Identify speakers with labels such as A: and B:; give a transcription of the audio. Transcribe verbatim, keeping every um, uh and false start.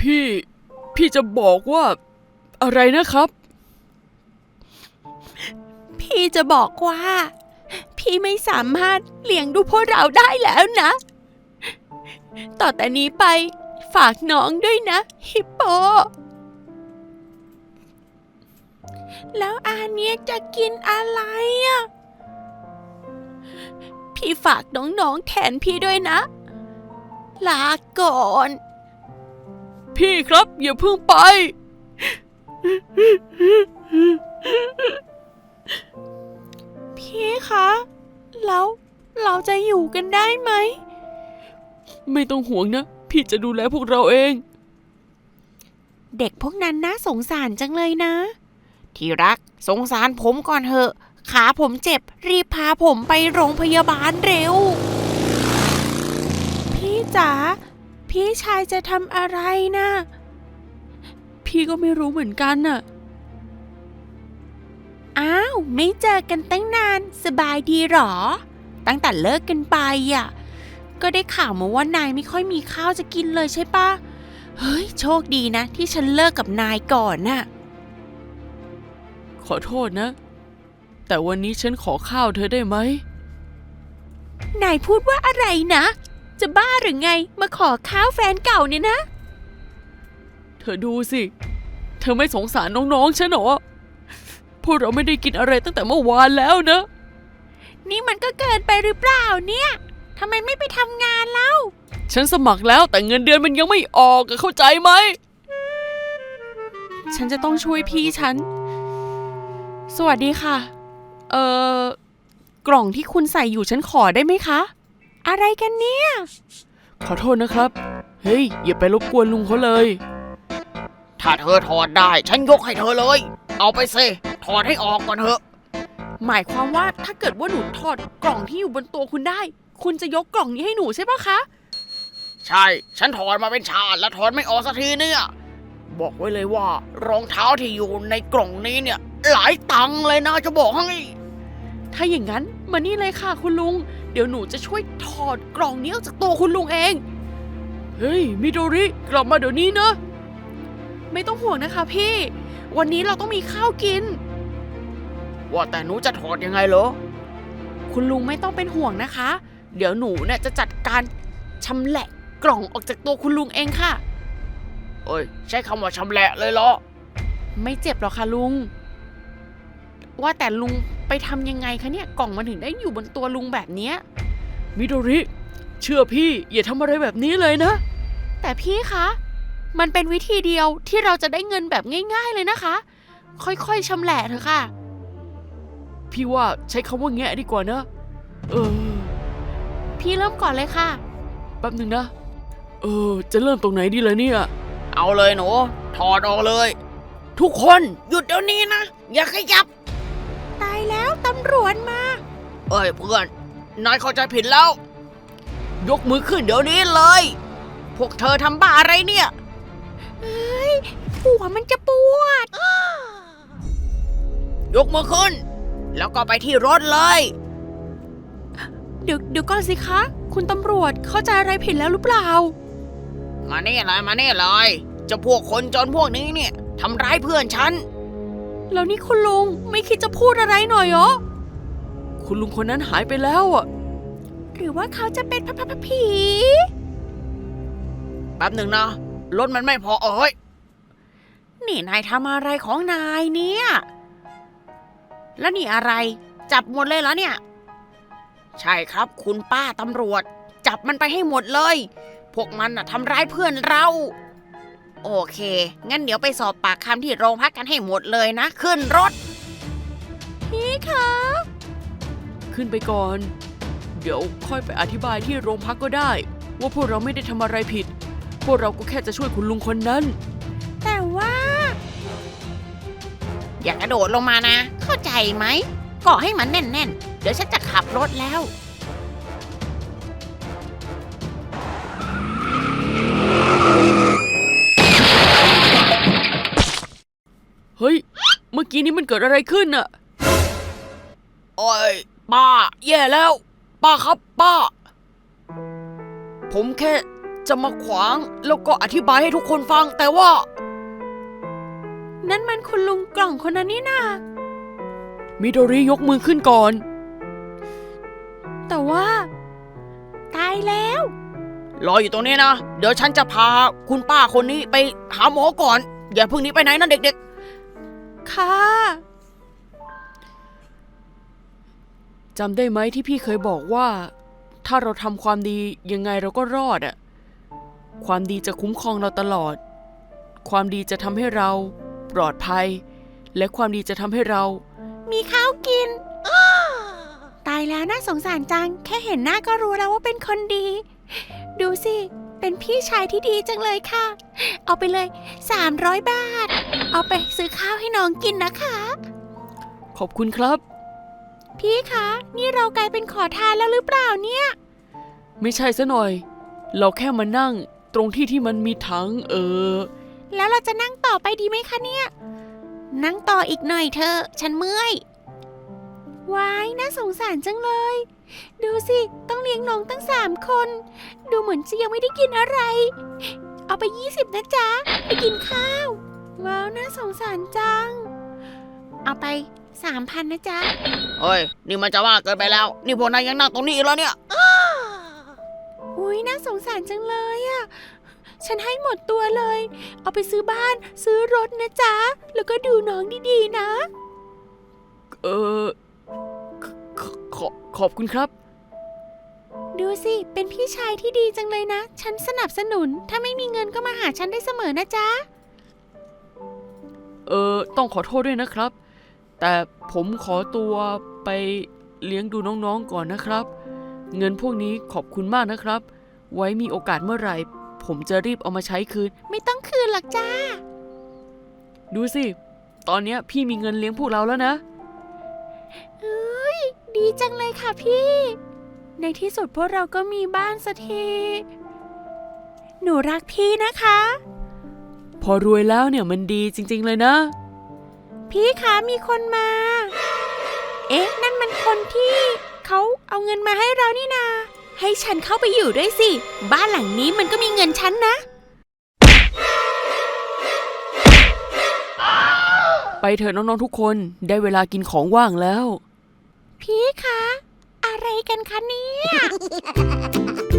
A: พี่พี่จะบอกว่าอะไรนะครับ
B: พี่จะบอกว่าพี่ไม่สามารถเลี้ยงดูพวกเราได้แล้วนะต่อแต่นี้ไปฝากน้องด้วยนะฮิปโปแล้วอาเนียจะกินอะไรอ่ะพี่ฝากน้องๆแทนพี่ด้วยนะลาก่อน
A: พี่ครับอย่าเพิ่งไป
B: พี่คะแล้วเราจะอยู่กันได้ไหม
A: ไม่ต้องห่วงนะพี่จะดูแลพวกเราเอง
B: เด็กพวกนั้นน่าสงสารจังเลยนะที่รักสงสารผมก่อนเถอะขาผมเจ็บรีบพาผมไปโรงพยาบาลเร็วพี่จ๋าพี่ชายจะทำอะไรนะ
A: พี่ก็ไม่รู้เหมือนกันน่ะ
B: อ้าวไม่เจอกันตั้งนานสบายดีหรอตั้งแต่เลิกกันไปอ่ะก็ได้ข่าวมาว่านายไม่ค่อยมีข้าวจะกินเลยใช่ปะเฮ้ยโชคดีนะที่ฉันเลิกกับนายก่อนน่ะ
A: ขอโทษนะแต่วันนี้ฉันขอข้าวเธอได้ไหม
B: นายพูดว่าอะไรนะจะบ้าหรือไงมาขอข้าวแฟนเก่าเนี่ยนะ
A: เธอดูสิเธอไม่สงสารน้องๆฉันหรอพวกเราไม่ได้กินอะไรตั้งแต่เมื่อวานแล้วนะ
B: นี่มันก็เกินไปหรือเปล่าเนี่ยทำไมไม่ไปทำงานเล่า
A: ฉันสมัครแล้วแต่เงินเดือนมันยังไม่ออกเข้าใจไหม
B: ฉันจะต้องช่วยพี่ฉันสวัสดีค่ะเอ่อกล่องที่คุณใส่อยู่ฉันขอได้ไหมคะอะไรกันเนี่ย
A: ขอโทษนะครับเฮ้ยอย่าไปรบกวนลุงเขาเลย
C: ถ้าเธอถอดได้ฉันยกให้เธอเลยเอาไปสิถอดให้ออกก่อนเถอะ
B: หมายความว่าถ้าเกิดว่าหนูถอดกล่องที่อยู่บนตัวคุณได้คุณจะยกกล่องนี้ให้หนูใช่ปะคะ
C: ใช่ฉันถอดมาเป็นชาติแล้วถอดไม่ออกสักทีเนี่ยบอกไว้เลยว่ารองเท้าที่อยู่ในกล่องนี้เนี่ยหลายตังค์เลยนะจะบอกให้
B: ถ้าอย่างนั้นมานี่เลยค่ะคุณลุงเดี๋ยวหนูจะช่วยถอดกล่องนี้ออกจากตัวคุณลุงเอง
A: เฮ้ยมิโดริกลับมาเดี๋ยวนี้นะ
B: ไม่ต้องห่วงนะคะพี่วันนี้เราต้องมีข้าวกิน
C: ว่าแต่หนูจะถอดยังไงเหรอ
B: คุณลุงไม่ต้องเป็นห่วงนะคะเดี๋ยวหนูเนี่ยจะจัดการชำแหละกล่องออกจากตัวคุณลุงเองค่ะ
C: เอ้ยใช้คำว่าชำแหละเลยเหรอ
B: ไม่เจ็บหรอกค่ะลุงว่าแต่ลุงไปทำยังไงคะเนี่ยกล่องมันถึงได้อยู่บนตัวลุงแบบนี้
A: มิโดริเชื่อพี่อย่าทำอะไรแบบนี้เลยนะ
B: แต่พี่คะมันเป็นวิธีเดียวที่เราจะได้เงินแบบง่ายๆเลยนะคะค่อยๆชำแหละเถอะค่ะ
A: พี่ว่าใช้คำว่าแงะดีกว่านะเออ
B: พี่เริ่มก่อนเลยค่ะ
A: แป๊บหนึ่งนะเออจะเริ่มตรงไหนดีล่ะเนี่ย
C: เอาเลยหนูถอดออกเลยทุกคนหยุดเดี๋ยวนี้นะอย่าขยับ
B: ตายแล้วตำรวจมา
C: เอ้ยเพื่อนนายเข้าใจผิดแล้วยกมือขึ้นเดี๋ยวนี้เลยพวกเธอทำบ้าอะไรเนี่ย
B: เฮ้ยหัวมันจะปวด
C: ยกมือขึ้นแล้วก็ไปที่รถเลย
B: เดี๋ยวเดี๋ยวก่อนสิคะคุณตำรวจเข้าใจอะไรผิดแล้วหรือเปล่า
C: มานี่เลยมานี่เลยเจ้าพวกคนจนพวกนี้เนี่ยทำร้ายเพื่อนฉัน
B: แล้วนี่คุณลุงไม่คิดจะพูดอะไรหน่อยเหรอ
A: คุณลุงคนนั้นหายไปแล้วอ่ะ
B: หรือว่าเขาจะเป็นพระผี
C: แป๊บหนึ่งนะรถมันไม่พอเอ้ย
B: นี่นายทำอะไรของนายเนี่ยแล้วนี่อะไรจับหมดเลยเหรอเนี่ย
C: ใช่ครับคุณป้าตำรวจจับมันไปให้หมดเลยพวกมันน่ะทำร้ายเพื่อนเราโอเคงั้นเดี๋ยวไปสอบปากคำที่โรงพักกันให้หมดเลยนะขึ้นรถ
B: พี่คะ
A: ขึ้นไปก่อนเดี๋ยวค่อยไปอธิบายที่โรงพักก็ได้ว่าพวกเราไม่ได้ทำอะไรผิดพวกเราก็แค่จะช่วยคุณลุงคนนั้น
B: แต่ว่า
C: อย่ากระโดดลงมานะเข้าใจไหมเกาะให้มันแน่นๆเดี๋ยวฉันจะขับรถแล้ว
A: เฮ้ยเมื่อกี้นี้มันเกิดอะไรขึ้นน่ะ
C: โอ้ยป้าแย่แล้วป้าครับป้าผมแค่จะมาขวางแล้วก็อธิบายให้ทุกคนฟังแต่ว่า
B: นั่นมันคุณลุงกล่องคนนั้นนี่นา
A: มิโดริยกมือขึ้นก่อน
B: แต่ว่า ตายแล้ว
C: รออยู่ตรงนี้นะ เดี๋ยวฉันจะพาคุณป้าคนนี้ไปหาหมอก่อน อย่าเพิ่งหนี้ไปไหนนะเด็ก
B: ค่ะ
A: จำได้ไหมที่พี่เคยบอกว่า ถ้าเราทำความดียังไงเราก็รอดอะความดีจะคุ้มครองเราตลอด ความดีจะทำให้เราปลอดภัย และความดีจะทำให้เรา
B: มีข้าวกิน ตายแล้วน่าสงสารจัง แค่เห็นหน้าก็รู้แล้วว่าเป็นคนดี ดูสิ เป็นพี่ชายที่ดีจังเลยค่ะ เอาไปเลยสามร้อยบาท เอาไปซื้อข้าวให้น้องกินนะคะ
A: ขอบคุณครับ
B: พี่คะ นี่เรากลายเป็นขอทานแล้วหรือเปล่าเนี่ย
A: ไม่ใช่ซะหน่อย เราแค่มานั่งตรงที่ที่มันมีถังเออ
B: แล้วเราจะนั่งต่อไปดีไหมคะเนี่ย นั่งต่ออีกหน่อยเถอะ ฉันเมื่อย ว้าย น่าสงสารจังเลย ดูสิ ต้องเลี้ยงน้องตั้งสามคน ดูเหมือนจะยังไม่ได้กินอะไร เอาไปยี่สิบนะจ๊ะ ไปกินข้าว ว้าว น่าสงสารจัง เอาไปสามพันนะจ๊ะ
C: ๆ เฮ้ย นี่มันจะว่าเกินไปแล้ว นี่พวกนายยังนั่งตรงนี้อีกแล้วเนี่ย
B: อุ้ยน่าสงสารจังเลยอะฉันให้หมดตัวเลย เอาไปซื้อบ้าน ซื้อรถนะจ๊ะ แล้วก็ดูน้องดีๆนะ
A: เออขอขอขอบคุณครับ
B: ดูสิ เป็นพี่ชายที่ดีจังเลยนะ ฉันสนับสนุน ถ้าไม่มีเงินก็มาหาฉันได้เสมอนะจ๊ะ
A: เออต้องขอโทษด้วยนะครับ แต่ผมขอตัวไปเลี้ยงดูน้องๆก่อนนะครับ เงินพวกนี้ขอบคุณมากนะครับ ไว้มีโอกาสเมื่อไหร่ ผมจะรีบเอามาใช้คืน
B: ไม่ต้องคืนหรอกจ้า
A: ดูสิ ตอนเนี้ยพี่มีเงินเลี้ยงพวกเราแล้วนะ
B: เอ้ย ดีจังเลยค่ะพี่ ในที่สุดพวกเราก็มีบ้านสักที หนูรักพี่นะคะ
A: พอรวยแล้วเนี่ยมันดีจริงๆเลยนะ
B: พี่คะมีคนมา เอ๊ะ นั่นมันคนที่เขาเอาเงินมาให้เรานี่นา ให้ฉันเข้าไปอยู่ด้วยสิ บ้านหลังนี้มันก็มีเงินฉันนะ
A: ไปเถอะน้องๆทุกคนได้เวลากินของว่างแล้ว
B: พี่คะ อะไรกันคะเนี่ย